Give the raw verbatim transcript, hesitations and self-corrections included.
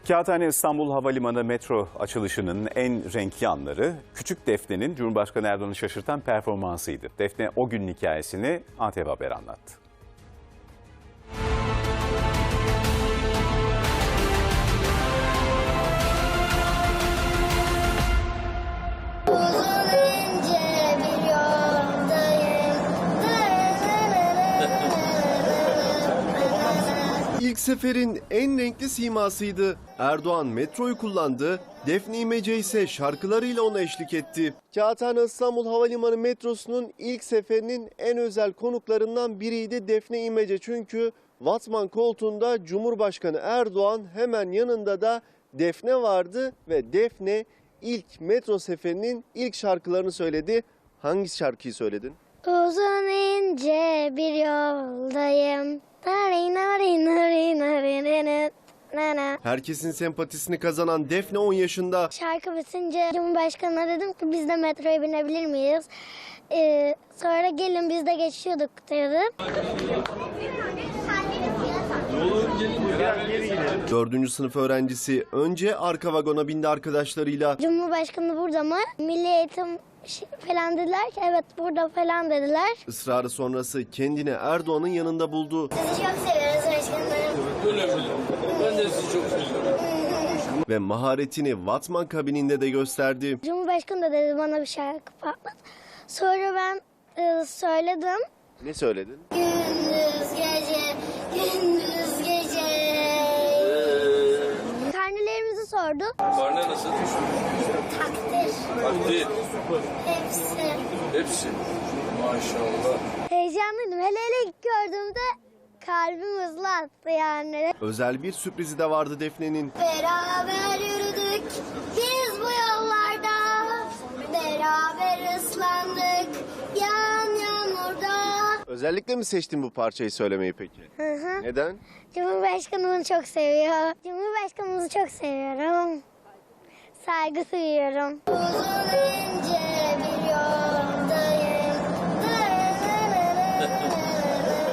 Kağıthane İstanbul Havalimanı metro açılışının en renkli anları Küçük Defne'nin Cumhurbaşkanı Erdoğan'ı şaşırtan performansıydı. Defne o günün hikayesini A T V Haber anlattı. İlk seferin en renkli simasıydı. Erdoğan metroyu kullandı, Defne İmece ise şarkılarıyla ona eşlik etti. Kağıthane İstanbul Havalimanı metrosunun ilk seferinin en özel konuklarından biriydi Defne İmece. Çünkü Vatman koltuğunda Cumhurbaşkanı Erdoğan, hemen yanında da Defne vardı ve Defne ilk metro seferinin ilk şarkılarını söyledi. Hangi şarkıyı söyledin? Uzun ince bir yoldayım. Herkesin sempatisini kazanan Defne on yaşında. Şarkı bitince Cumhurbaşkanı'na dedim ki biz de metroya binebilir miyiz? Ee, sonra gelin biz de geçiyorduk dedim. Dördüncü sınıf öğrencisi önce arka vagona bindi arkadaşlarıyla. Cumhurbaşkanı burada mı? Milli Eğitim falan dediler ki evet burada falan dediler. Israrı sonrası kendini Erdoğan'ın yanında buldu. Sizi çok seviyoruz başkanım. Öyle mi? Ben de sizi çok seviyorum. Ve maharetini Vatman kabininde de gösterdi. Cumhurbaşkanı da dedi bana bir şarkı patlat. Sonra ben e, söyledim. Ne söyledin? Gündüz gece, gündüz gece. Karnelerimizi sordu. Karne nasıl? Takdir. Takdir. Hepsi. Hepsi. Maşallah. Heyecanlıydım. Hele hele ilk gördüğümde kalbim hızlı attı yani. Özel bir sürprizi de vardı Defne'nin. Beraber yürüdük biz bu yollarda. Beraber ıslandık yan yağmurda. Özellikle mi seçtin bu parçayı söylemeyi peki? Hı hı. Neden? Cumhurbaşkanımı çok seviyor. Cumhurbaşkanımızı çok seviyorum. Saygı duyuyorum. Uzun ince bir yoldayım.